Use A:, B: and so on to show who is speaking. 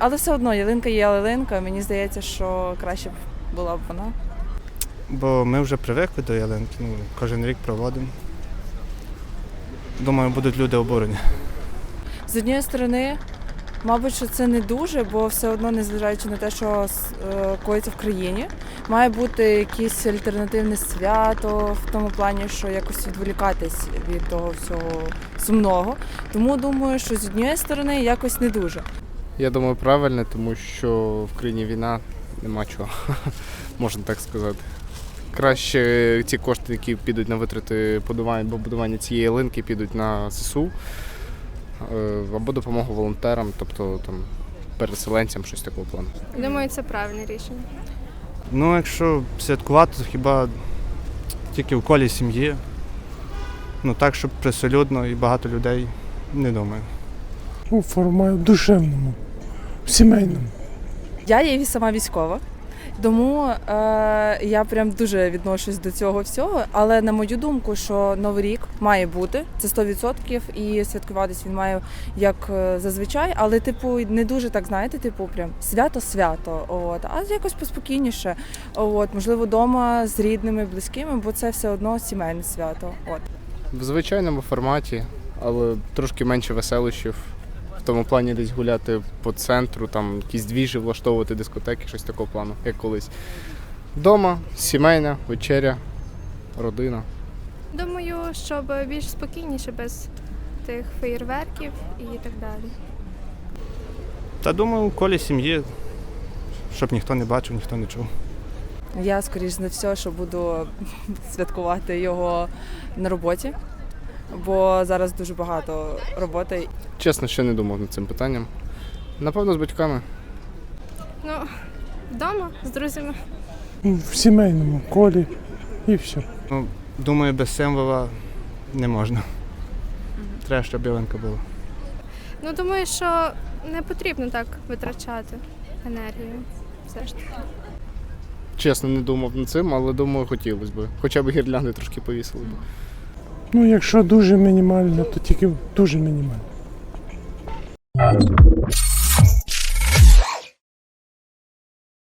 A: Але все одно ялинка є ялинка, мені здається, що краще б була б вона.
B: Бо ми вже привикли до ялинки, кожен рік проводимо. Думаю, будуть люди обурені.
A: З однієї сторони, мабуть, що це не дуже, бо все одно, незважаючи на те, що коїться в країні, має бути якесь альтернативне свято в тому плані, що якось відволікатись від того всього сумного. Тому думаю, що з однієї сторони якось не дуже.
C: Я думаю, правильно, тому що в країні війна, нема чого, можна так сказати. Краще ці кошти, які підуть на витрати будування цієї ялинки, підуть на ЗСУ або допомогу волонтерам, тобто там, переселенцям, щось такого плану.
D: Думаю, це правильне рішення.
B: Якщо святкувати, то хіба тільки в колі сім'ї. Так, щоб присолюдно і багато людей, не думаю.
E: У форматі душевному, сімейному.
A: Я є сама військова, тому я прям дуже відношусь до цього всього, але на мою думку, що Новий рік має бути, це 100%, і святкуватись він має як зазвичай, але не дуже так, знаєте, прям свято-свято, а якось поспокійніше, можливо, вдома з рідними, близькими, бо це все одно сімейне свято.
C: В звичайному форматі, але трошки менше веселощів. В тому плані десь гуляти по центру, там якісь двіжі влаштовувати, дискотеки, щось такого плану, як колись. Дома, сімейна, вечеря, родина.
D: Думаю, щоб більш спокійніше, без тих феєрверків і так далі.
B: Та думаю, в колі сім'ї, щоб ніхто не бачив, ніхто не чув.
A: Я, скоріш за все, що буду святкувати його на роботі, бо зараз дуже багато роботи.
C: Чесно, ще не думав над цим питанням. Напевно, з батьками.
D: Вдома, з друзями.
E: В сімейному колі і все.
B: Думаю, без символа не можна. Треба, щоб ялинка була.
D: Думаю, що не потрібно так витрачати енергію. Все ж таки.
C: Чесно, не думав над цим, але думаю, хотілося б. Хоча б гірлянди трошки повісили б.
E: Якщо дуже мінімально, то тільки дуже мінімально.